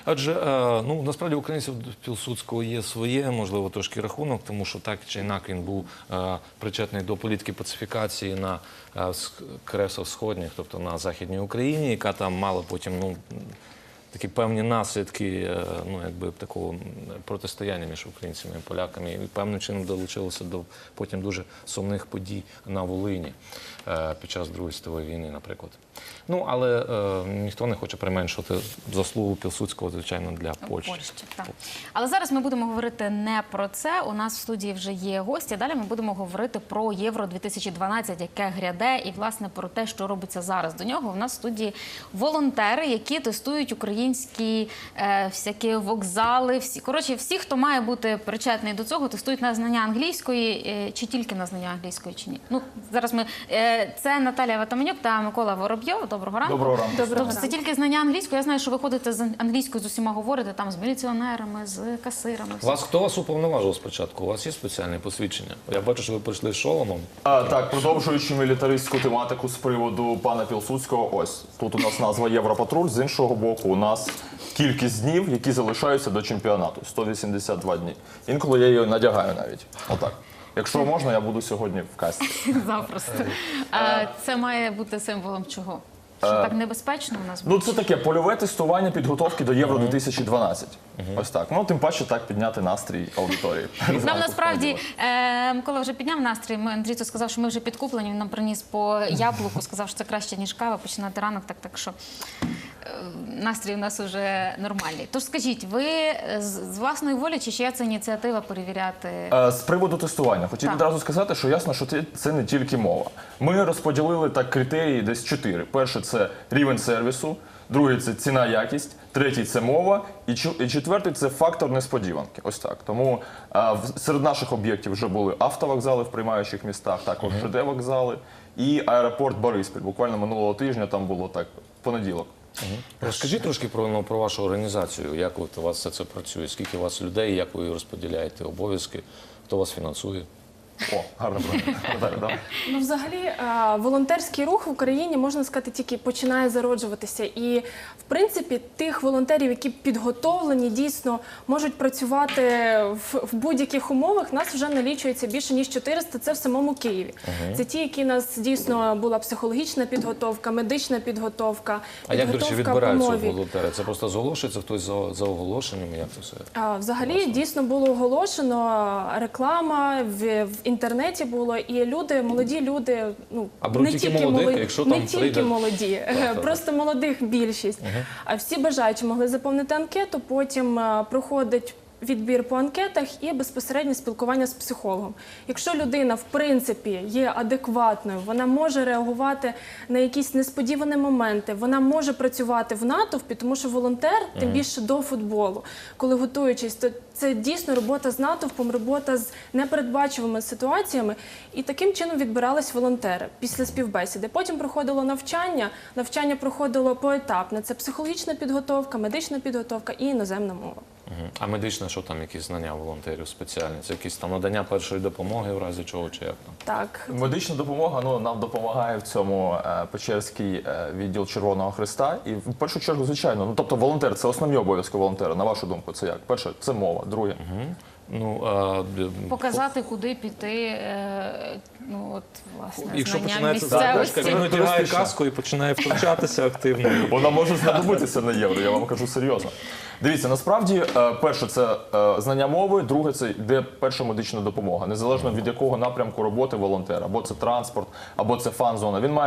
Адже, ну, насправді, українців до Пілсудського є своє, можливо, трошки рахунок, тому що так чи інакше він був причетний до політики пацифікації на кресах сходніх, тобто на Західній Україні, яка там мала потім, ну, такі певні наслідки, ну, якби такого протистояння між українцями і поляками, і певним чином долучилося до потім дуже сумних подій на Волині під час Другої світової війни, наприклад. Ну, але ніхто не хоче применшувати заслугу Пілсудського, звичайно, для Польщі. Так. Але зараз ми будемо говорити не про це. У нас в студії вже є гості. Далі ми будемо говорити про Євро-2012, яке гряде, і, власне, про те, що робиться зараз. До нього у нас в студії волонтери, які тестують українські всякі вокзали. Всі, хто має бути причетний до цього, тестують на знання англійської, чи тільки на знання англійської, чи ні. Ну, зараз ми... Це Наталія Ватаманюк та Микола Воробйов. Доброго ранку. Доброго ранку. Тобто це тільки знання англійської. Я знаю, що ви ходите з англійською з усіма говорите, там з міліціонерами, з касирами. Хто вас уповноважив спочатку? У вас є спеціальне посвідчення? Я бачу, що ви прийшли з шоломом. Так, продовжуючи мілітаристську тематику з приводу пана Пілсудського, ось тут у нас назва Європатруль, з іншого боку у нас кількість днів, які залишаються до чемпіонату – 182 дні. Інколи я її надягаю навіть. Отак. Якщо можна, я буду сьогодні в касті. Запросто. Це має бути символом чого? Що так небезпечно у нас буде? Ну, це таке польове тестування підготовки до Євро-2012. Ось так. Ну, тим паче так підняти настрій аудиторії. Нам насправді, Микола вже підняв настрій, Андрійцю сказав, що ми вже підкуплені, він нам приніс по яблуку, сказав, що це краще, ніж кава, починати ранок, так що настрій у нас вже нормальний. Тож скажіть, ви з власної волі чи чия це ініціатива перевіряти? З приводу тестування. Хотів відразу сказати, що ясно, що це не тільки мова. Ми розподілили так критерії десь 4. Перше – це рівень сервісу, другий – це ціна-якість, третій – це мова, і четвертий – це фактор несподіванки. Ось так. Тому серед наших об'єктів вже були автовокзали в приймаючих містах, також ЖД-вокзали і аеропорт Бориспіль. Буквально минулого тижня там було так, понеділок. Розкажіть трошки про вашу організацію, як у вас все це працює, скільки у вас людей, як ви розподіляєте обов'язки, хто вас фінансує? О, гарно правильно. Ну, взагалі, волонтерський рух в Україні, можна сказати, тільки починає зароджуватися. І, в принципі, тих волонтерів, які підготовлені, дійсно можуть працювати в будь-яких умовах, нас вже налічується більше, ніж 400, це в самому Києві. Це ті, які нас дійсно була психологічна підготовка, медична підготовка, А як, до речі, підготовка по відбираються мові. волонтери? Це просто зголошується хтось за оголошенням, як це все? Взагалі, дійсно було оголошено, реклама в інтернеті було, і люди, молоді люди, ну, беруть тільки молодих, якщо там не тільки прийде- молоді, просто молодих більшість. А всі бажаючі могли заповнити анкету, потім проходить відбір по анкетах і безпосереднє спілкування з психологом. Якщо людина, в принципі, є адекватною, вона може реагувати на якісь несподівані моменти, вона може працювати в натовпі, тому що волонтер, тим більше до футболу, коли готуючись, то це дійсно робота з натовпом, робота з непередбачуваними ситуаціями. І таким чином відбирались волонтери після співбесіди. Потім проходило навчання. Навчання проходило поетапно. Це психологічна підготовка, медична підготовка і іноземна мова. А медичне, що там, якісь знання волонтерів спеціальні? Це якісь там надання першої допомоги в разі чого, чи як там? Так. Медична допомога, ну, нам допомагає в цьому Печерський відділ Червоного Хреста. І в першу чергу, звичайно, ну, тобто волонтер – це основні обов'язки волонтера, на вашу думку, це як? Перше – це мова, друге – Показати, куди піти, ну, от, власне, якщо знання починається місцевості. він одягає каску і починає втручатися активно. Вона може знадобитися на євро, я вам кажу серйозно. Дивіться, насправді, перше – це знання мови, друге – це йде перша медична допомога. Незалежно від якого напрямку роботи волонтера, або це транспорт, або це фан-зона. Він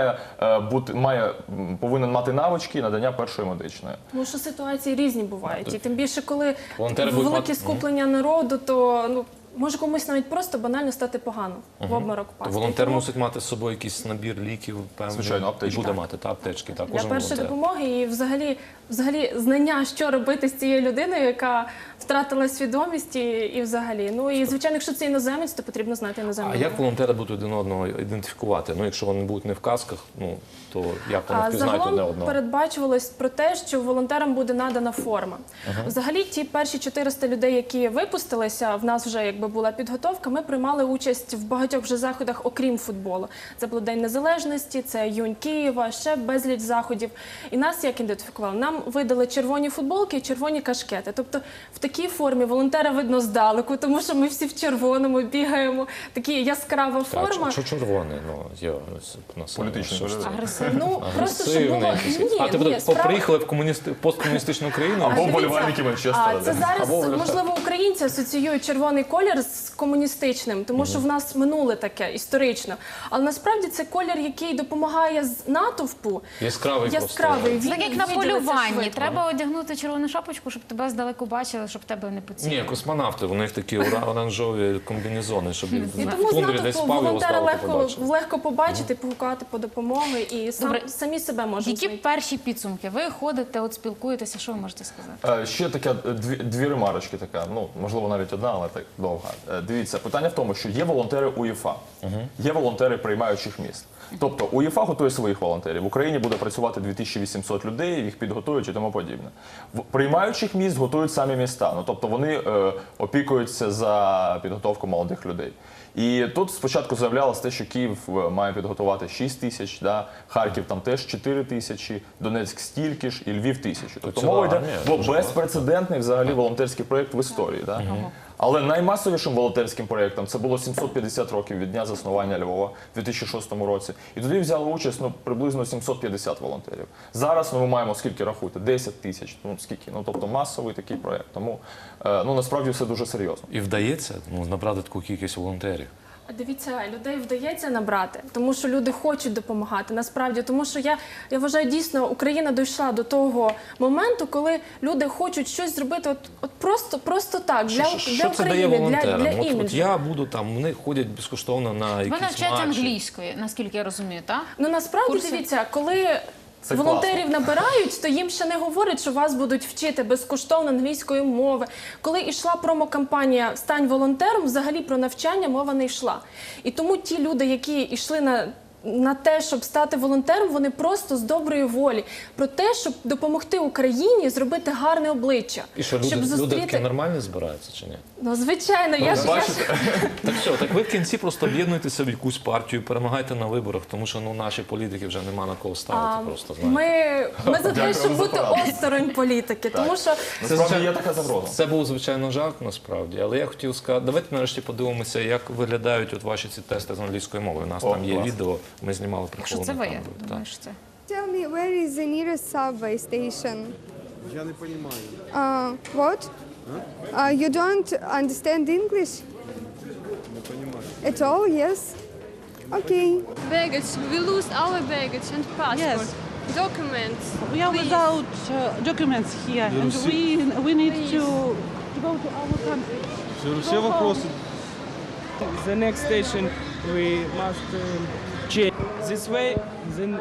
повинен мати навички надання першої медичної. Тому що ситуації різні бувають. І тим більше, коли Волонтери будуть велике мати- скуплення народу, то, ну, може комусь навіть просто банально стати погано, в обморок впасти. Волонтер Тому мусить мати з собою якийсь набір ліків, певний. Звичайно, аптечки. І буде мати, та аптечки, та для кожен першої волонтер. допомоги і взагалі знання, що робити з цією людиною, яка втратила свідомість і взагалі. Ну і, звичайно, якщо це іноземець, то потрібно знати іноземну А як мову. волонтери будуть один одного ідентифікувати? Ну, якщо вони будуть не в касках, ну, то як вони впізнають одне Загалом одного? передбачувалось про те, що волонтерам буде надана форма. Взагалі, ті перші 400 людей, які випустилися, в нас вже якби була підготовка, ми приймали участь в багатьох вже заходах, окрім футболу. Це був День Незалежності, це Юнь Києва, ще безліч заходів. І нас як ідентифікували? Нам видали червоні футболки і червоні кашкети. Тобто в такій формі волонтера видно здалеку, тому що ми всі в червоному бігаємо. Така яскрава форма. Що червоний? Ну, є Політичний що ж це? вигляд. Агресивно. Ну, просто щоб було... А ти ні, справа- приїхали в посткомуністичну країну? Або Дивіться, вболівальники Манчестера. Це зараз, можливо, українці асоціюють червоний колір з комуністичним, тому що в нас минуле таке, історично. Але насправді це колір, який допомагає з натовпу. Яскравий просто. Яскравий. Це так як на виділиться полюванні. швидко. Треба одягнути червону шапочку, щоб тебе здалеку бачили, щоб тебе не поцілили. Ні, космонавти, у них такі оранжеві комбінезони, щоб І в тому з тундрі десь натовпу спав, його волонтера здалеку побачили. легко побачити, погукати по допомоги і Добре. самі себе можемо Які знайти. перші підсумки? Ви ходите, от спілкуєтеся, що ви можете сказати? Ще така дві ремарочки, така, ну можливо навіть одна, але так довга. Дивіться, питання в тому, що є волонтери УЄФА, є волонтери приймаючих міст. Тобто УЄФА готує своїх волонтерів. В Україні буде працювати 2800 людей, їх підготують і тому подібне. В приймаючих міст готують самі міста. Ну тобто вони опікуються за підготовку молодих людей. І тут спочатку заявлялося те, що Київ має підготувати 6 тисяч, да? Харків там теж 4 тисячі, Донецьк стільки ж і Львів 1000. Тобто ціла мова йде армія, про дуже безпрецедентний взагалі волонтерський проєкт в історії. Да? Але наймасовішим волонтерським проєктом це було 750 років від дня заснування Львова в 2006 році. І тоді взяли участь приблизно 750 волонтерів. Зараз ми маємо, скільки рахуйте, 10 тисяч, скільки, тобто масовий такий проєкт. Тому насправді все дуже серйозно. І вдається набрати таку кількість волонтерів. Дивіться, людей вдається набрати, тому що люди хочуть допомагати, насправді. Тому що я вважаю, дійсно, Україна дійшла до того моменту, коли люди хочуть щось зробити от просто так, для Що це дає України, волонтерам? для От іміджу. я буду там, вони ходять безкоштовно на Ви якісь навчаєте матчі. англійської, наскільки я розумію, так? Ну, насправді, Курси? дивіться, коли Це волонтерів набирають, то їм ще не говорять, що вас будуть вчити безкоштовно англійської мови. Коли йшла промокампанія «Стань волонтером», взагалі про навчання мова не йшла. І тому ті люди, які йшли на те, щоб стати волонтером, вони просто з доброї волі. Про те, щоб допомогти Україні зробити гарне обличчя. І що, люди такі нормальні збираються чи ні? Ну, звичайно, я ж... Так все, так ви в кінці просто об'єднуєтеся в якусь партію, перемагайте на виборах, тому що наші політики вже нема на кого ставити просто, знаєте. Ми за те, Дякую щоб за бути пораду. осторонь політики, тому що... Насправді є така загроза. Це був, звичайно, жарт, насправді, але я хотів сказати, давайте нарешті подивимося, як виглядають от ваші ці тести з англійської мови. У нас там є клас. відео, ми знімали Якщо це приколи. ви, я думаю, що це. Tell me, where is the nearest subway station? Я не понимаю. What? You don't understand English? Не понимаю. At all, yes? Okay. Baggage. We lose our baggage and passport. Yes. Documents. We are Please. without documents here, and we need to go to our country. Все вопросы. The next station we must change this way, then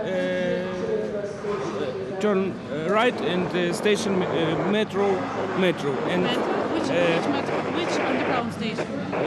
turn right and station metro and Metro? Which metro? Which underground station?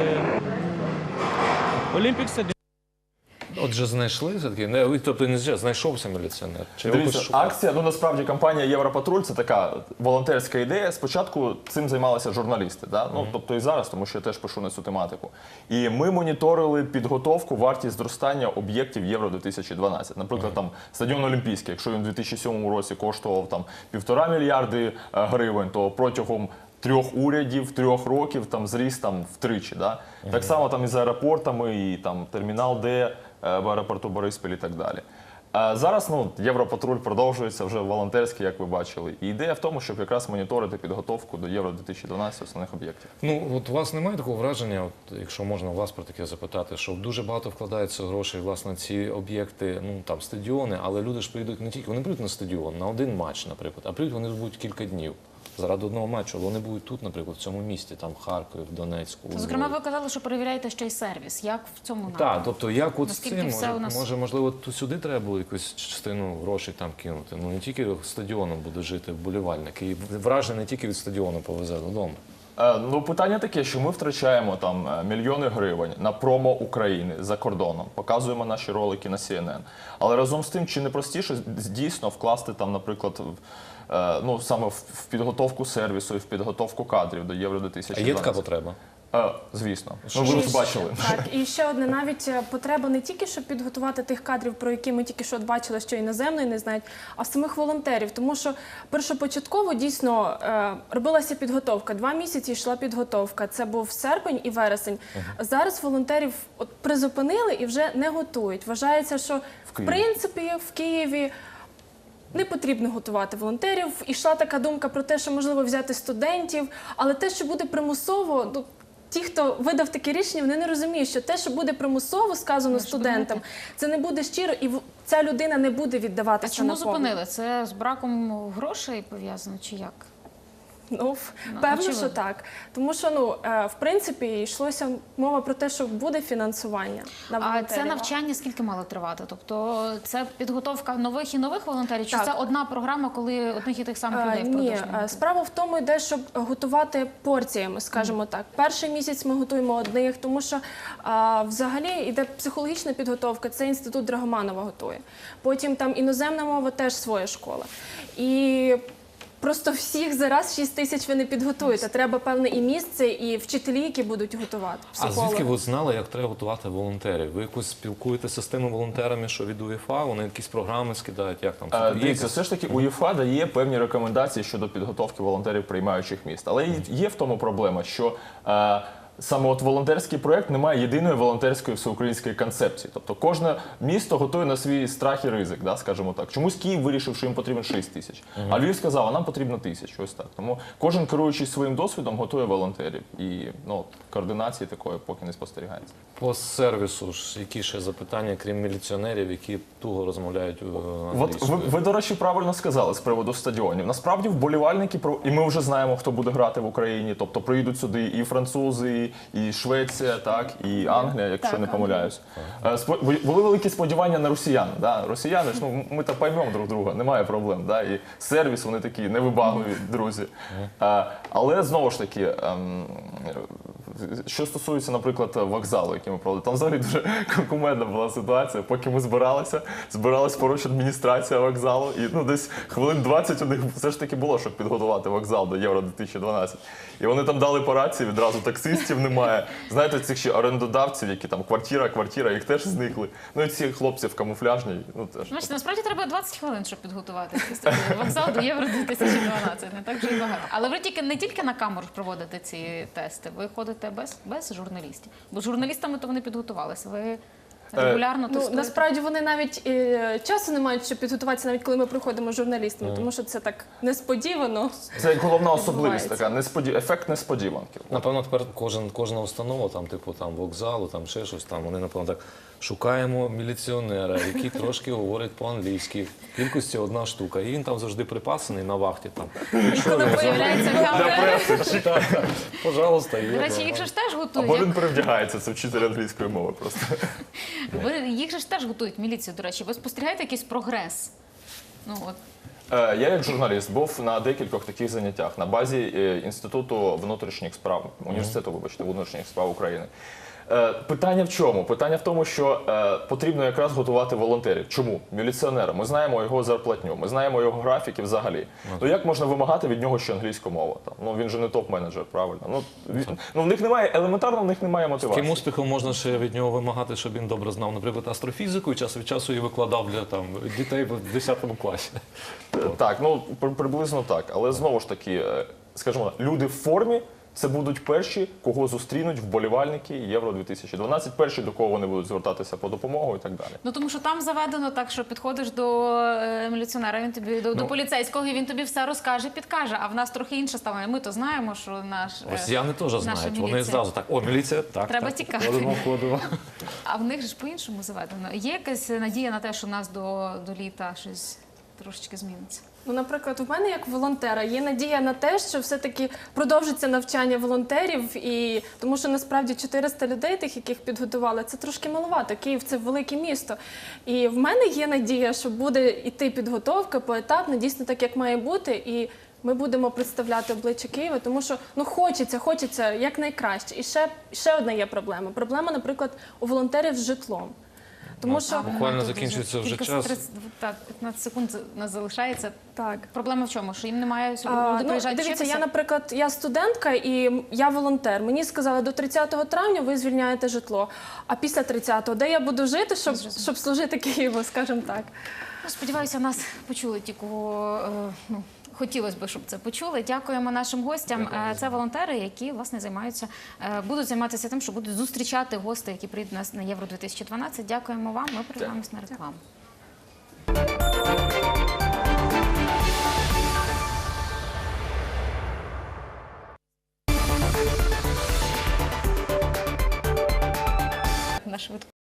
Olympic Stadium. Отже, знайшли все-таки? Тобто не знайшовся міліціонер? Чи його Дивіться, хтось шукав? акція, насправді компанія Європатруль це така волонтерська ідея. Спочатку цим займалися журналісти, да? Тобто і зараз, тому що я теж пишу на цю тематику. І ми моніторили підготовку, вартість зростання об'єктів Євро 2012. Наприклад, там стадіон Олімпійський, якщо він у 2007 році коштував там 1,5 мільярди гривень, то протягом 3 урядів, 3 років там зріс там втричі. Да? Так само там і з аеропортами, і там термінал Д в аеропорту Бориспіль і так далі. А зараз Європатруль продовжується вже волонтерський, як ви бачили. І ідея в тому, щоб якраз моніторити підготовку до Євро 2012 основних об'єктів. От у вас немає такого враження, якщо можна вас про таке запитати, що дуже багато вкладається грошей власне ці об'єкти, там стадіони, але люди ж прийдуть не тільки, вони прийдуть на стадіон, на один матч, наприклад, а прийдуть вони будуть кілька днів. Заради одного матчу, але вони будуть тут, наприклад, в цьому місті, там в Харкові, в Донецьку. у Зокрема, Львові. ви казали, що перевіряєте ще й сервіс. Як в цьому напрямку? Так, тобто як от з Наскільки цим, все у нас- можливо, тут сюди треба було якусь частину грошей там кинути. Не тільки стадіоном буде жити вболівальник, і враження не тільки від стадіону повезе додому. Питання таке, що ми втрачаємо там мільйони гривень на промо України за кордоном, показуємо наші ролики на CNN. Але разом з тим, чи не простіше дійсно вкласти там, наприклад, саме в підготовку сервісу і в підготовку кадрів до Євро 2012? А є така потреба? Звісно. Ну, Ми І вже ще- бачили. Так, і ще одне, навіть потреба не тільки, щоб підготувати тих кадрів, про які ми тільки що от бачили, що іноземної не знають, а самих волонтерів. Тому що першопочатково дійсно робилася підготовка. 2 місяці йшла підготовка. Це був серпень і вересень. Зараз волонтерів от призупинили і вже не готують. Вважається, що в Києві. принципі в Києві не потрібно готувати волонтерів. Ішла така думка про те, що можливо взяти студентів, але те, що буде примусово, ну, ті, хто видав таке рішення, вони не розуміють, що те, що буде примусово сказано студентам, це не буде щиро, і ця людина не буде А віддаватися чому на повну. зупинили? Це з браком грошей пов'язано чи як? Ну, певно, очевидно. що так. Тому що, ну, в принципі, йшлося мова про те, що буде фінансування на А волонтерів. це навчання скільки мало тривати? Тобто це підготовка нових і нових волонтерів? Чи Так. це одна програма, коли одних і тих самих людей Ні, впродовж? справа в тому йде, щоб готувати порціями, скажімо так. Перший місяць ми готуємо одних, тому що взагалі йде психологічна підготовка, це інститут Драгоманова готує. Потім там іноземна мова теж своя школа. І просто всіх зараз 6 тисяч ви не підготуєте. Треба певне і місце, і вчителі, які будуть готувати, А психологи. звідки ви знали, як треба готувати волонтерів? Ви якось спілкуєтеся з тими волонтерами, що від УЄФА, вони якісь програми скидають, як там? Є Дивіться, якась- все ж таки УЄФА дає певні рекомендації щодо підготовки волонтерів приймаючих міст. Але є в тому проблема, що саме от волонтерський проєкт не має єдиної волонтерської всеукраїнської концепції. Тобто кожне місто готує на свій страх і ризик, да, скажімо так. Чомусь Київ вирішив, що їм потрібно 6 тисяч, а Львів сказав, а нам потрібно 1000, ось так. Тому кожен, керуючись своїм досвідом, готує волонтерів. І ну, координації такої поки не спостерігається. По сервісу ж які ще запитання, крім міліціонерів, які туго розмовляють От англійською? ви, до речі, правильно сказали з приводу стадіонів. Насправді вболівальники, і ми вже знаємо, хто буде грати в Україні. Тобто приїдуть сюди і французи, і Швеція, так, і Англія, якщо не помиляюсь. Були великі сподівання на росіян. Да? Росіяни ж, ну, ми то поймемо друг друга, немає проблем. Да? І сервіс, вони такі невибагливі друзі. Але знову ж таки, що стосується, наприклад, вокзалу, який ми проводили, там взагалі дуже кумедна була ситуація. Поки ми збиралась поруч адміністрація вокзалу, і ну, десь хвилин 20 у них все ж таки було, щоб підготувати вокзал до Євро-2012. І вони там дали по рації, відразу таксистів немає. Знаєте, цих ще орендодавців, які там квартира, їх теж зникли. Ну і ці хлопці в камуфляжній, ну теж. Значить, насправді треба 20 хвилин, щоб підготувати вокзал до Євро 2012. Не так вже і багато. Але ви не тільки на камеру проводите ці тести, ви ходите без журналістів. Бо з журналістами то вони підготувалися. Ви регулярно Ну, тестуєте? насправді вони навіть часу не мають, щоб підготуватися, навіть коли ми приходимо з журналістами, тому що це так несподівано. Це як головна особливість відбувається. така, ефект несподіванки. Напевно, тепер кожна установа, там, типу там, вокзалу, там ще щось, там, вони, напевно, так, шукаємо міліціонера, який трошки говорить по-англійськи. В кількості 1 штука. І він там завжди припасений на вахті. Там. Коли появляється камера. Так, пожалуйста, є. До речі, їх же ж теж Або готують. він перевдягається, це вчитель англійської мови просто. Їх же ж теж готують міліцію, до речі. Ви спостерігаєте якийсь прогрес? Ну, от. Я як журналіст був на декількох таких заняттях на базі Інституту внутрішніх справ, університету, вибачте, внутрішніх справ України. Питання в чому? Питання в тому, що потрібно якраз готувати волонтерів. Чому? Міліціонера. Ми знаємо його зарплатню, ми знаємо його графіки взагалі. Ну як можна вимагати від нього ще англійську мову? Там, ну він же не топ-менеджер, правильно? Ну в них немає, елементарно в них немає мотивації. Яким успіхом можна ще від нього вимагати, щоб він добре знав, наприклад, астрофізику і час від часу її викладав для там, дітей в 10 класі? Так, ну приблизно так. Але знову ж таки, скажімо, люди в формі це будуть перші, кого зустрінуть вболівальники Євро-2012, перші, до кого вони будуть звертатися по допомогу і так далі. Ну тому що там заведено так, що підходиш до міліціонера, він тобі до поліцейського, і він тобі все розкаже, підкаже. А в нас трохи інше ставлення. Ми то знаємо, що наш Росіяни теж наша знають. Вони міліція. зразу так, о, міліція, так, Треба так, тікати. Ходимо. А в них же ж по-іншому заведено. Є якась надія на те, що в нас до літа щось трошечки зміниться? Ну, наприклад, у мене як волонтера є надія на те, що все-таки продовжиться навчання волонтерів, і тому що насправді 400 людей, тих, яких підготували, це трошки маловато. Київ – це велике місто. І в мене є надія, що буде йти підготовка поетапно, дійсно так, як має бути, і ми будемо представляти обличчя Києва, тому що ну, хочеться якнайкраще. І ще одна є проблема. Проблема, наприклад, у волонтерів з житлом. Тому що Буквально Тут закінчується вже кілька час. 15 секунд у нас залишається. так. Проблема в чому? Що їм немає Ну, приїжджати дивіться, вчитися? я, наприклад, я студентка і я волонтер. Мені сказали, до 30 травня ви звільняєте житло. А після 30-го, де я буду жити, щоб служити Києву, скажімо так. Ну, сподіваюся, нас почули ті, кого хотілося б, щоб це почули. Дякуємо нашим гостям. Це волонтери, які власне будуть займатися тим, що будуть зустрічати гостей, які прийдуть нас на Євро 2012. Дякуємо вам. Ми перейдемось на рекламу. На швидку.